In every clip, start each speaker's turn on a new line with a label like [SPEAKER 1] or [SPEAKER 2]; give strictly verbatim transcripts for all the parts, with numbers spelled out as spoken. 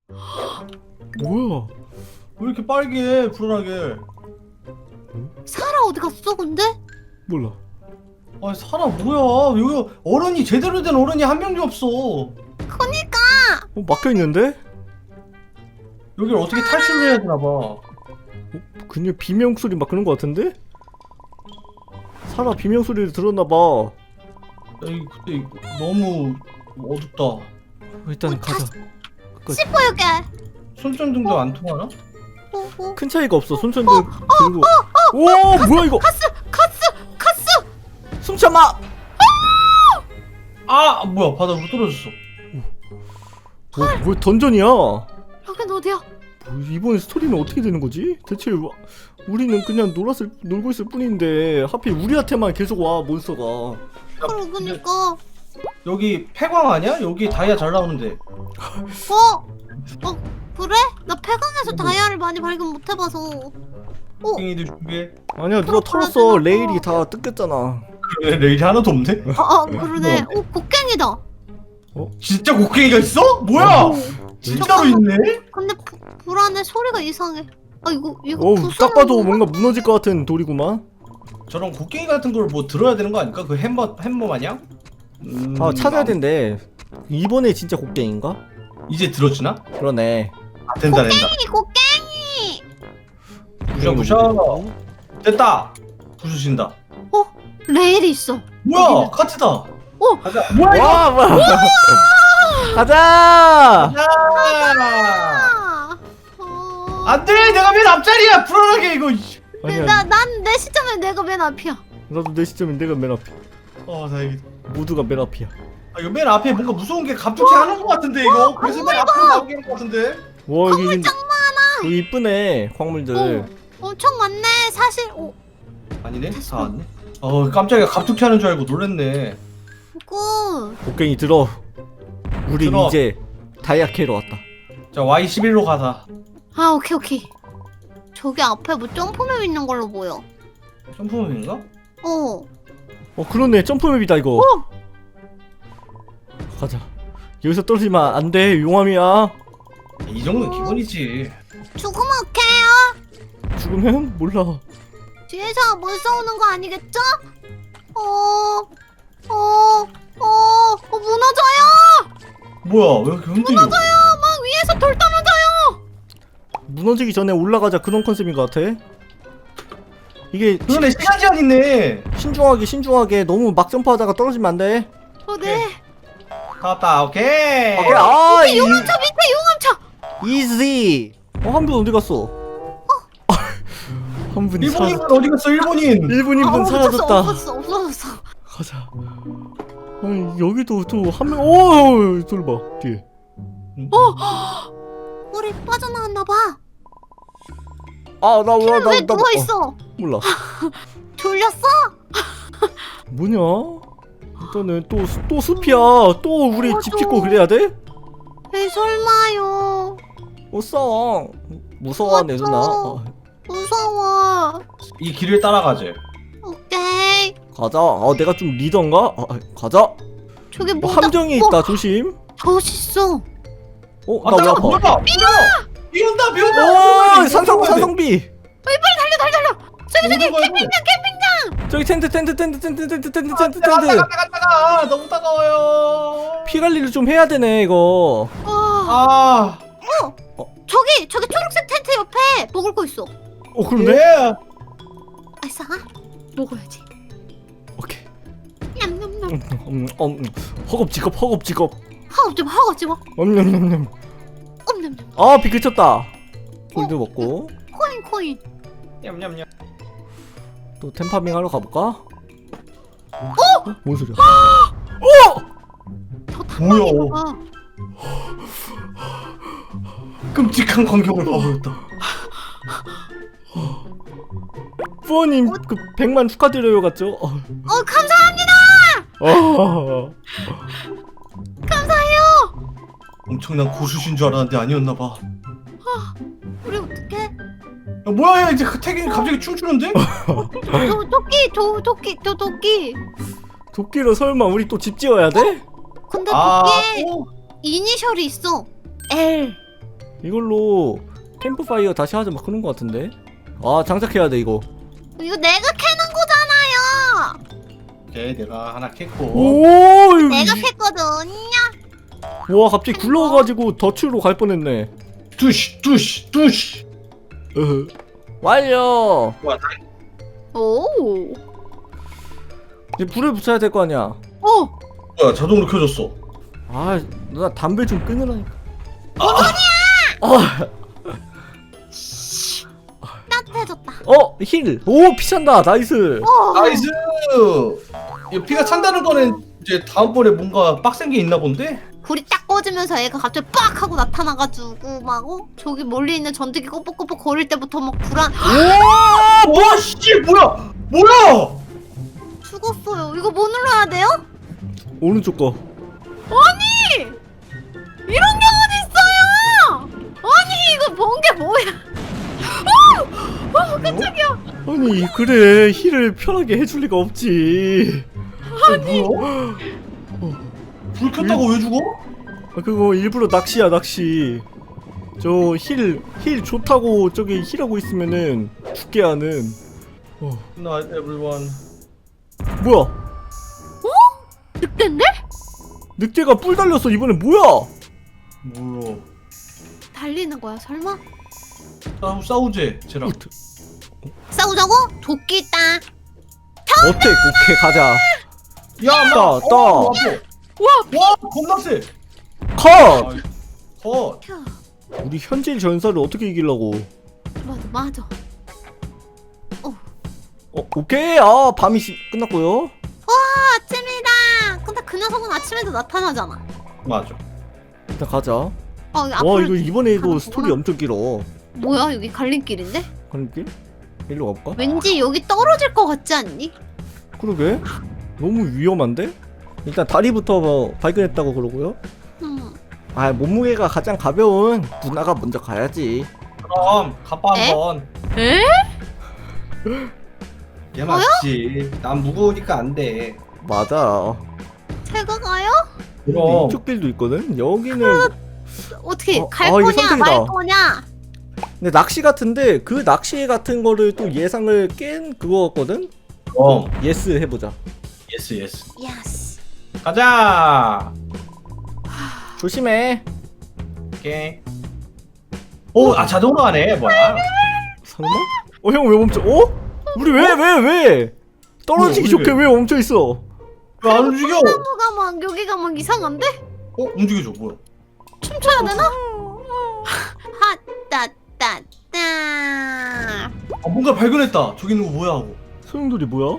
[SPEAKER 1] 뭐야?
[SPEAKER 2] 왜 이렇게 빨개 불안하게.
[SPEAKER 3] 사라 어디 갔어 근데?
[SPEAKER 1] 몰라.
[SPEAKER 2] 아 사람 뭐야 여기 어른이 제대로 된 어른이 한 명도 없어.
[SPEAKER 3] 그니까.
[SPEAKER 1] 어, 막혀 있는데?
[SPEAKER 2] 여기를 어떻게 탈출을 해야 되나 봐.
[SPEAKER 1] 어, 그냥 비명 소리 막 그런 거 같은데? 사라 비명 소리를 들었나 봐.
[SPEAKER 2] 에이 근데 너무 어둡다.
[SPEAKER 1] 어, 일단
[SPEAKER 3] 어,
[SPEAKER 1] 가자. 끝까지.
[SPEAKER 3] 씹어 여기.
[SPEAKER 2] 손전등도 안 통하나?
[SPEAKER 3] 어, 어.
[SPEAKER 1] 큰 차이가 없어. 손전등 들고. 오 뭐야 이거?
[SPEAKER 3] 가스 가스 가스.
[SPEAKER 1] 숨 참아.
[SPEAKER 2] 아 뭐야 바닥으로 떨어졌어.
[SPEAKER 1] 뭐, 뭐 던전이야? 뭐,
[SPEAKER 3] 여긴 어디야?
[SPEAKER 1] 이번에 스토리는 어떻게 되는 거지? 대체 와- 우리는 그냥 놀았을 놀고 있을 뿐인데 하필 우리한테만 계속 와 몬스터가.
[SPEAKER 3] 그러 그니까.
[SPEAKER 2] 여기 폐광 아니야? 여기 다이아 잘 나오는데.
[SPEAKER 3] 어? 어 그래? 나 폐광에서 다이아를 많이 발견 못 해봐서.
[SPEAKER 2] 팽이들 준비해.
[SPEAKER 1] 아니야 누가 털었어. 레일이 다 뜯겼잖아.
[SPEAKER 2] 그래 레일이 하나도 없네?
[SPEAKER 3] 아, 아 그러네. 오 곡괭이다.
[SPEAKER 2] 진짜 곡괭이가 있어? 뭐야?
[SPEAKER 3] 오,
[SPEAKER 2] 진짜로 있네?
[SPEAKER 3] 근데 부, 불안해 소리가 이상해. 아 이거 이거
[SPEAKER 1] 어우
[SPEAKER 3] 부수는
[SPEAKER 1] 딱 봐도
[SPEAKER 3] 건가?
[SPEAKER 1] 뭔가 무너질 것 같은 돌이구만.
[SPEAKER 2] 저런 곡괭이 같은 걸 뭐 들어야 되는 거 아닐까? 그 햄버 햄버 마냥? 음,
[SPEAKER 1] 아 찾아야 된대. 이번에 진짜 곡괭인가?
[SPEAKER 2] 이제 들어주나?
[SPEAKER 1] 그러네.
[SPEAKER 2] 아 된다 된다.
[SPEAKER 3] 이 곡괭이.
[SPEAKER 2] 부셔 부셔. 됐다. 부수신다.
[SPEAKER 3] 레일이 있어.
[SPEAKER 2] 뭐야 카트다.
[SPEAKER 3] 오!
[SPEAKER 2] 가자. 뭐야 이거?
[SPEAKER 1] 와 뭐야? 가자.
[SPEAKER 2] 야!
[SPEAKER 3] 아. 어...
[SPEAKER 2] 안돼 내가 맨 앞자리야 불안하게 이거.
[SPEAKER 1] 아니야.
[SPEAKER 3] 나난 내 시점에 내가 맨 앞이야.
[SPEAKER 1] 나도 내 시점엔 내가 맨 앞이야.
[SPEAKER 2] 어 다행이다.
[SPEAKER 1] 모두가 맨 앞이야.
[SPEAKER 2] 아, 이거 맨 앞에 뭔가 무서운 게 갑툭튀 하는 거 같은데 이거. 그래서 맨 앞으로 나오게 하는 거 같은데.
[SPEAKER 1] 와 여기
[SPEAKER 3] 광물 짱 많아.
[SPEAKER 1] 여기 이쁘네 광물들.
[SPEAKER 3] 어, 엄청 많네. 사실 오
[SPEAKER 2] 아니네 다 왔네. 어 깜짝이야 갑툭튀 하는 줄 알고 놀랬네.
[SPEAKER 3] 굿.
[SPEAKER 1] 곡괭이 들어. 우리
[SPEAKER 2] 들어.
[SPEAKER 1] 이제 다이아 캐러 왔다.
[SPEAKER 2] 자 와이 십일로 가자.
[SPEAKER 3] 아 오케이 오케이. 저기 앞에 뭐 점프맵 있는 걸로 보여.
[SPEAKER 2] 점프맵인가?
[SPEAKER 3] 어.
[SPEAKER 1] 어 그러네 점프맵이다 이거.
[SPEAKER 3] 어.
[SPEAKER 1] 가자. 여기서 떨어지면 안 돼. 용암이야.
[SPEAKER 2] 이 정도는 기본이지.
[SPEAKER 3] 죽으면 오케이요.
[SPEAKER 1] 죽으면 몰라.
[SPEAKER 3] 뒤에서 못 싸우는 거 아니겠죠? 어. 어. 어. 어 무너져요.
[SPEAKER 2] 뭐야 왜 이렇게 흔들려?
[SPEAKER 3] 무너져요. 막 위에서 돌 떨어져요.
[SPEAKER 1] 무너지기 전에 올라가자 그런 컨셉인 것 같아. 이게
[SPEAKER 2] 그러네 시간 제한 있네.
[SPEAKER 1] 신중하게 신중하게 너무 막 점프하다가 떨어지면 안 돼.
[SPEAKER 3] 어 네.
[SPEAKER 2] 다 왔다 오케이.
[SPEAKER 1] 오케이 아
[SPEAKER 3] 밑에 용암차 밑에 용암차.
[SPEAKER 1] 이지. 어 한 분 어디 갔어? 한 분이
[SPEAKER 2] 일본인
[SPEAKER 1] 사라졌다.
[SPEAKER 2] 어디 갔어 일본인?
[SPEAKER 1] 일본인 분
[SPEAKER 3] 아,
[SPEAKER 1] 사라졌다.
[SPEAKER 3] 없어졌어 없어졌어.
[SPEAKER 1] 가자. 아니 여기도 또 한 명. 오 저리 봐 뒤에.
[SPEAKER 3] 우리 빠져나왔나 봐.
[SPEAKER 1] 아나
[SPEAKER 3] 왜
[SPEAKER 1] 나, 나,
[SPEAKER 3] 누워 있어?
[SPEAKER 1] 몰라.
[SPEAKER 3] 졸렸어?
[SPEAKER 1] 뭐냐? 일단은 또 또 숲이야. 또 우리 집
[SPEAKER 3] 맞아.
[SPEAKER 1] 짓고 그래야 돼?
[SPEAKER 3] 에이 설마요.
[SPEAKER 1] 어싸. 무서워하네
[SPEAKER 3] 맞아.
[SPEAKER 1] 누나. 어,
[SPEAKER 3] 무서워.
[SPEAKER 2] 이 길을 따라가재.
[SPEAKER 3] 오케이.
[SPEAKER 1] 가자. 아 내가 좀 리더인가? 아, 가자.
[SPEAKER 3] 저기
[SPEAKER 1] 뭐
[SPEAKER 3] 뭐다.
[SPEAKER 1] 함정이
[SPEAKER 3] 어,
[SPEAKER 1] 있다 조심.
[SPEAKER 3] 멋있어.
[SPEAKER 1] 어
[SPEAKER 2] 아
[SPEAKER 1] 나 왜
[SPEAKER 2] 잠깐
[SPEAKER 1] 아파?
[SPEAKER 2] 뭐야? 비 온다 비 온다.
[SPEAKER 1] 오 산성 산성비.
[SPEAKER 3] 달려 달려. 저기 저기
[SPEAKER 2] 캠핑장
[SPEAKER 3] 캠핑장.
[SPEAKER 1] 저기 텐트 텐트 텐트 텐트 텐트 텐트 텐트
[SPEAKER 2] 따가
[SPEAKER 1] 텐트.
[SPEAKER 2] 따가 따가 따가 너무 따가워요.
[SPEAKER 1] 피 관리를 좀 해야 되네 이거.
[SPEAKER 3] 아.
[SPEAKER 2] 아
[SPEAKER 3] 저기 저기 초록색 텐트 옆에 먹을 거 있어.
[SPEAKER 1] 어 그러네.
[SPEAKER 2] 예.
[SPEAKER 3] 아싸. 먹어야지.
[SPEAKER 1] 오케이.
[SPEAKER 3] 냠냠냠.
[SPEAKER 1] 음, 음, 음, 음. 허겁지겁 허겁지겁.
[SPEAKER 3] 하고 좀 하고 좀.
[SPEAKER 1] 엄냠냠냠.
[SPEAKER 3] 엄냠냠.
[SPEAKER 1] 아비 그쳤다. 골드 먹고
[SPEAKER 3] 코인 코인.
[SPEAKER 2] 냠냠냠.
[SPEAKER 1] 또 템파밍 하러 가볼까? 어? 뭔 소리야? 어!
[SPEAKER 3] 저
[SPEAKER 2] 뭐야?
[SPEAKER 3] 탐방인가 봐.
[SPEAKER 2] 끔찍한 광경을 봐버렸다.
[SPEAKER 1] 부모님 그 백만 축하드려요 같죠? 어.
[SPEAKER 3] 어 감사합니다.
[SPEAKER 1] 어.
[SPEAKER 3] 감사해요.
[SPEAKER 2] 엄청난 고수신 줄 알았는데 아니었나봐.
[SPEAKER 3] 우리 어떡해?
[SPEAKER 2] 야, 뭐야 이제 그 태균이 갑자기 춤추는데?
[SPEAKER 3] 도, 토끼 도, 토끼 도, 토끼.
[SPEAKER 1] 도끼로 설마 우리 또 집 지어야 돼?
[SPEAKER 3] 근데
[SPEAKER 2] 아,
[SPEAKER 3] 토끼에
[SPEAKER 2] 오.
[SPEAKER 3] 이니셜이 있어. L.
[SPEAKER 1] 이걸로 캠프파이어 다시 하자 막 그런 거 같은데. 아 장착해야 돼 이거.
[SPEAKER 3] 이거 내가 캐는 거잖아요.
[SPEAKER 2] 오케이 내가 하나 캤고.
[SPEAKER 1] 오 이거
[SPEAKER 3] 내가
[SPEAKER 1] 이-
[SPEAKER 3] 캤거든요.
[SPEAKER 1] 와 갑자기 굴러가지고 덫으로 갈 뻔했네.
[SPEAKER 2] 두시 두시 두시.
[SPEAKER 1] 으흐. 완료.
[SPEAKER 2] 와, 다-
[SPEAKER 3] 오.
[SPEAKER 1] 이제 불을 붙여야 될 거 아니야.
[SPEAKER 3] 오.
[SPEAKER 2] 뭐야 자동으로 켜졌어.
[SPEAKER 1] 아 누나 담배 좀 끊으라니까.
[SPEAKER 2] 아,
[SPEAKER 1] 아,
[SPEAKER 3] 따뜻해졌다.
[SPEAKER 1] 어 힐. 오 피찬다. 나이스.
[SPEAKER 3] 오.
[SPEAKER 2] 나이스. 이 피가 찬다는 거는 이제 다음번에 뭔가 빡센 게 있나 본데?
[SPEAKER 3] 불이 딱 꺼지면서 애가 갑자기 빡 하고 나타나가지고 막 어? 저기 멀리 있는 전투기 꼬뻑꼬뻑 거릴 때부터 막 불안
[SPEAKER 2] 와, 와, 씨, 뭐야, 뭐야?
[SPEAKER 3] 죽었어요. 이거 뭐 눌러야 돼요?
[SPEAKER 1] 오른쪽 거.
[SPEAKER 3] 아니! 이런 경우도 있어요! 아니 이거 본 게 뭐야? 어! 어 깜짝이야.
[SPEAKER 1] 아니 그래 힐을 편하게 해줄 리가 없지.
[SPEAKER 2] 아니, 불 켰다고 왜 죽어?
[SPEAKER 1] 아, 그거 일부러 낚시야 낚시. 저 힐 힐 좋다고 저기 힐하고 있으면은 죽게 하는. 어
[SPEAKER 2] Not everyone.
[SPEAKER 1] 뭐야?
[SPEAKER 3] 늑대인데?
[SPEAKER 1] 늑대가 뿔 달렸어 이번에 뭐야?
[SPEAKER 2] 뭐야?
[SPEAKER 3] 달리는 거야 설마?
[SPEAKER 2] 싸우 싸우지, 쟤랑.
[SPEAKER 3] 싸우자고? 도끼 있다.
[SPEAKER 1] 어택 오케이 가자.
[SPEAKER 2] 야,
[SPEAKER 1] 따,
[SPEAKER 2] 마,
[SPEAKER 1] 따.
[SPEAKER 2] 어, 와, 와, 겁나 세.
[SPEAKER 1] 컷.
[SPEAKER 2] 아이, 컷.
[SPEAKER 3] 펴.
[SPEAKER 1] 우리 현질 전사를 어떻게 이기려고?
[SPEAKER 3] 맞아 맞아.
[SPEAKER 1] 어 오케이 아 밤이 시, 끝났고요.
[SPEAKER 3] 와 아침이다. 근데 그 녀석은 아침에도 나타나잖아.
[SPEAKER 2] 맞아.
[SPEAKER 1] 일단 가자.
[SPEAKER 3] 어
[SPEAKER 1] 와
[SPEAKER 3] 앞으로
[SPEAKER 1] 이거 이번에도
[SPEAKER 3] 가는
[SPEAKER 1] 스토리
[SPEAKER 3] 거구나.
[SPEAKER 1] 엄청 길어.
[SPEAKER 3] 뭐야 여기 갈림길인데?
[SPEAKER 1] 가는 길? 일로 가볼까?
[SPEAKER 3] 왠지 여기 떨어질 것 같지 않니?
[SPEAKER 1] 그러게 너무 위험한데? 일단 다리부터 뭐 발견했다고 그러고요.
[SPEAKER 3] 음.
[SPEAKER 1] 아 몸무게가 가장 가벼운 누나가 먼저 가야지.
[SPEAKER 2] 그럼 가빠
[SPEAKER 3] 에?
[SPEAKER 2] 한번.
[SPEAKER 3] 에?
[SPEAKER 2] 얘 맞지. 난 무거우니까 안 돼.
[SPEAKER 1] 맞아.
[SPEAKER 3] 제가 가요?
[SPEAKER 1] 근데
[SPEAKER 2] 그럼.
[SPEAKER 1] 이쪽 길도 있거든. 여기는
[SPEAKER 3] 어떻게
[SPEAKER 1] 어,
[SPEAKER 3] 갈
[SPEAKER 1] 아, 이거
[SPEAKER 3] 거냐
[SPEAKER 1] 선택이다.
[SPEAKER 3] 말 거냐?
[SPEAKER 1] 근데 낚시 같은데 그 낚시 같은 거를 또 예상을 깬 그거거든.
[SPEAKER 2] 그럼.
[SPEAKER 1] 예스 해보자.
[SPEAKER 2] 예스 예스.
[SPEAKER 3] 예스.
[SPEAKER 2] 가자.
[SPEAKER 1] 조심해.
[SPEAKER 2] 오케이. 오, 아 자동으로 하네. 뭐야?
[SPEAKER 1] 설마? 어 형 왜 멈춰? 어? 우리 왜 왜 왜? 떨어지기
[SPEAKER 2] 뭐야,
[SPEAKER 1] 좋게 왜 멈춰 있어?
[SPEAKER 2] 왜 안 움직여?
[SPEAKER 3] 나무가 막 여기가 막 이상한데?
[SPEAKER 2] 어, 움직여줘. 뭐야?
[SPEAKER 3] 춤춰야 되나? 핫따따따.
[SPEAKER 2] 아, 뭔가 발견했다. 저기 있는 거 뭐야 하고.
[SPEAKER 1] 소용돌이 뭐야?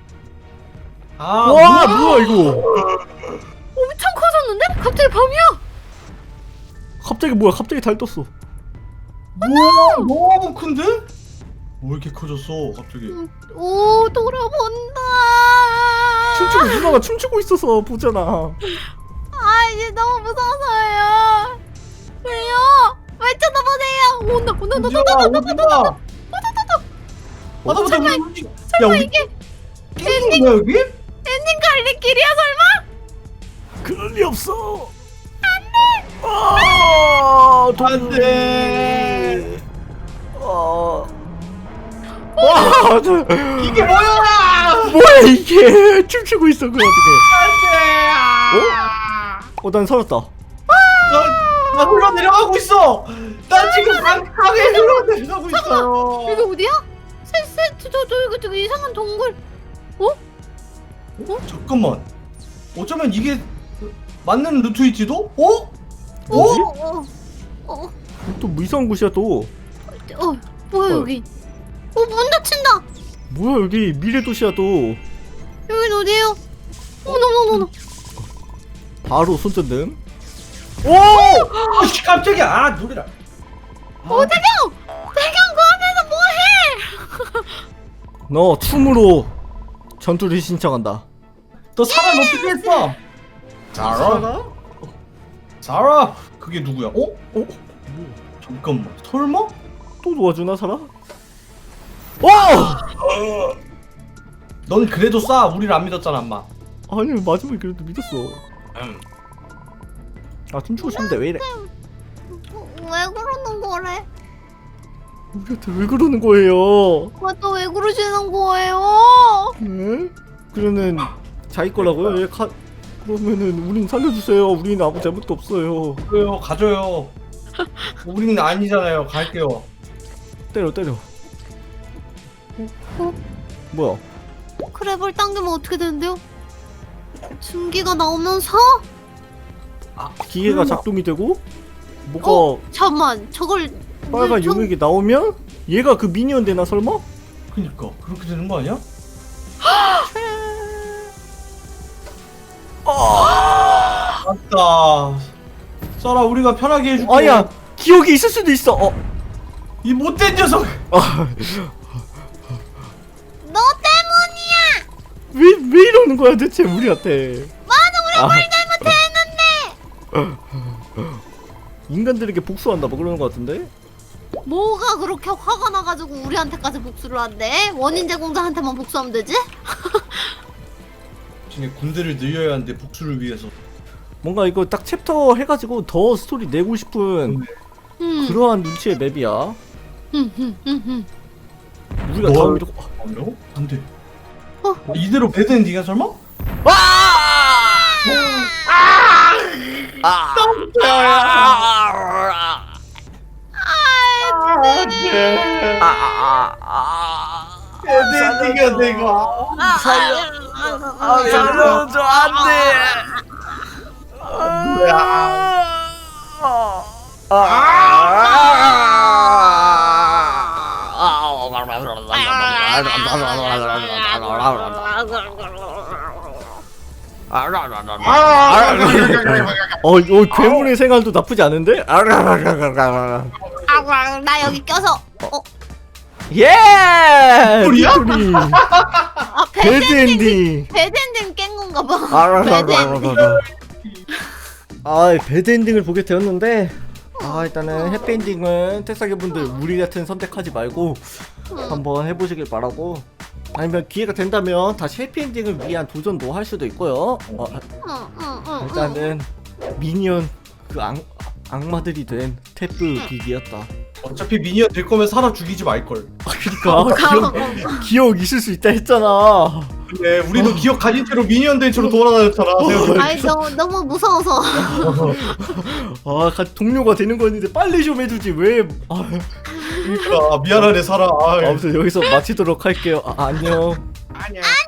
[SPEAKER 2] 아,
[SPEAKER 1] 와
[SPEAKER 2] 뭐야?
[SPEAKER 1] 뭐야 이거?
[SPEAKER 3] 엄청 커졌는데? 갑자기 밤이야.
[SPEAKER 1] 갑자기 뭐야? 갑자기 달 떴어.
[SPEAKER 2] 뭐야? 너무 큰데? 왜 이렇게 커졌어? 갑자기.
[SPEAKER 3] 오 돌아본다.
[SPEAKER 1] 춤추고 누나가 춤추고 있어서 보잖아.
[SPEAKER 3] 아 이제 너무 무서워서요. 왜요? 왜 쳐다보세요? 온다 온다 온다
[SPEAKER 2] 어디야?
[SPEAKER 3] 온다 온다
[SPEAKER 2] 어디야?
[SPEAKER 3] 온다.
[SPEAKER 2] 아, 나
[SPEAKER 3] 설마,
[SPEAKER 2] 우리 야,
[SPEAKER 3] 설마
[SPEAKER 2] 우리
[SPEAKER 3] 이게
[SPEAKER 2] 깨진 거야 여기?
[SPEAKER 3] 엔딩 갈림길이야 설마?
[SPEAKER 1] 그럴 리 없어. 안돼. 아,
[SPEAKER 2] 안 돼.
[SPEAKER 1] 아. 와, 저,
[SPEAKER 2] 이게 뭐야?
[SPEAKER 1] 뭐야 이게? 춤추고 있어 그 어떻게?
[SPEAKER 2] 안돼.
[SPEAKER 1] 어, 난 살았다.
[SPEAKER 2] 나, 나 흘러 내려가고 있어. 나 지금 강하게 흘러 내려가고 있어요.
[SPEAKER 3] 여기 어디야? 셋셋 저 저 이거 저기 이상한 동굴.
[SPEAKER 2] 어? 잠깐만. 어쩌면 이게 맞는 루트일지도? 어? 어?
[SPEAKER 1] 뭐지?
[SPEAKER 3] 어, 어, 어,
[SPEAKER 1] 또 뭐 이상한 곳이야 또.
[SPEAKER 3] 어, 뭐야
[SPEAKER 1] 어.
[SPEAKER 3] 여기? 어, 문 닫힌다.
[SPEAKER 1] 뭐야 여기 미래 도시야 또.
[SPEAKER 3] 여긴 어디예요? 어머머머머.
[SPEAKER 1] 바로 손전등. 오!
[SPEAKER 2] 아씨 깜짝이야. 아 놀래라.
[SPEAKER 3] 어, 대경! 대경 그 안에서 뭐해?
[SPEAKER 1] 너 춤으로 전투를 신청한다.
[SPEAKER 2] 너 사람 어떻게 했어? 자라? 자라? 그게 누구야? 어?
[SPEAKER 1] 어?
[SPEAKER 2] 잠깐만. 설마?
[SPEAKER 1] 또 도와주나 사라? 와!
[SPEAKER 2] 넌 그래도 쏴. 우리를 안 믿었잖아, 엄마.
[SPEAKER 1] 아니 마지막에 그래도 믿었어.
[SPEAKER 2] 음.
[SPEAKER 1] 아 춤추고 싶은데 왜 이래?
[SPEAKER 3] 왜 그러는 거래?
[SPEAKER 1] 우리한테 왜 그러는 거예요?
[SPEAKER 3] 또 왜 그러시는 거예요?
[SPEAKER 1] 네? 그러면 자기 거라고요? 예, 가... 그러면은 우린 살려주세요. 우리는 아무 잘못도 없어요.
[SPEAKER 2] 그래요, 가져요. 우리는 아니잖아요. 갈게요.
[SPEAKER 1] 때려 때려.
[SPEAKER 3] 어?
[SPEAKER 1] 뭐야?
[SPEAKER 3] 크랩을 당기면 어떻게 되는데요? 증기가 나오면서?
[SPEAKER 1] 기계가
[SPEAKER 2] 설마.
[SPEAKER 1] 작동이 되고 뭐가
[SPEAKER 3] 어? 잠만 저걸
[SPEAKER 1] 빨간
[SPEAKER 3] 왜 저-
[SPEAKER 1] 용액이 나오면 얘가 그 미니언 되나 설마?
[SPEAKER 2] 그니까 그렇게 되는 거 아니야? 맞다. 썰아, 우리가 편하게 해줄게.
[SPEAKER 1] 아야 기억이 있을 수도 있어. 어.
[SPEAKER 2] 이 못된 녀석.
[SPEAKER 1] 아,
[SPEAKER 3] 너 때문이야!
[SPEAKER 1] 왜, 왜 이러는 거야 대체 우리한테?
[SPEAKER 3] 맞아 우리
[SPEAKER 1] 아.
[SPEAKER 3] 뭘 잘못했는데!
[SPEAKER 1] 인간들에게 복수한다 뭐 그러는 거 같은데?
[SPEAKER 3] 뭐가 그렇게 화가 나가지고 우리한테까지 복수를 한대? 원인 제공자한테만 복수하면 되지?
[SPEAKER 2] 중에 군대를 늘려야 하는데 복수를 위해서.
[SPEAKER 1] 뭔가 이거 딱 챕터 해가지고 더 스토리 내고 싶은
[SPEAKER 3] 음.
[SPEAKER 1] 그러한 눈치의 맵이야.
[SPEAKER 3] 음, 음, 음, 음.
[SPEAKER 1] 우리가
[SPEAKER 2] 뭘?
[SPEAKER 1] 다음 이렇게
[SPEAKER 2] 어려워? 안 돼.
[SPEAKER 3] 어?
[SPEAKER 2] 이대로 배드 엔딩이야 설마?
[SPEAKER 1] 아! 아!
[SPEAKER 2] 안돼. 배드 엔딩이야 내가.
[SPEAKER 1] 살려. 아, 살려줘 안돼. 어, 어, 괴물의 생활도 나쁘지 않은데?
[SPEAKER 3] 아, 나 여기 껴서 어?
[SPEAKER 1] 예!
[SPEAKER 2] 빅토리야?
[SPEAKER 1] 빅토리.
[SPEAKER 3] 아
[SPEAKER 1] 배드
[SPEAKER 3] 배드
[SPEAKER 1] 엔딩.
[SPEAKER 3] 배드 엔딩 깬 건가 봐. 배드 엔딩.
[SPEAKER 1] 아, 배드 엔딩을 보게 되었는데, 아, 일단은 해피 엔딩은 태사기분들 우리 같은 선택하지 말고 한번 해보시길 바라고. 아니면 기회가 된다면 다시 해피 엔딩을 위한 도전도 할 수도 있고요. 어,
[SPEAKER 3] 응, 응, 응, 응.
[SPEAKER 1] 일단은 미니언 그 악, 악마들이 된 태프 기기였다.
[SPEAKER 2] 어차피 미니언 될 거면 사람 죽이지 말 걸.
[SPEAKER 1] 아, 그니까 기억, 기억 있을 수 있다 했잖아.
[SPEAKER 2] 그래, 우리도 기억 가진 채로 미니언 된 채로 돌아다녔잖아. 생각해보니까.
[SPEAKER 3] 아이 너무 너무 무서워서.
[SPEAKER 1] 아, 같이 동료가 되는 거였는데 빨리 좀 해주지 왜? 아,
[SPEAKER 2] 그러니까 미안하네 사람. 아이.
[SPEAKER 1] 아무튼 여기서 마치도록 할게요. 아, 안녕.
[SPEAKER 2] 아니야.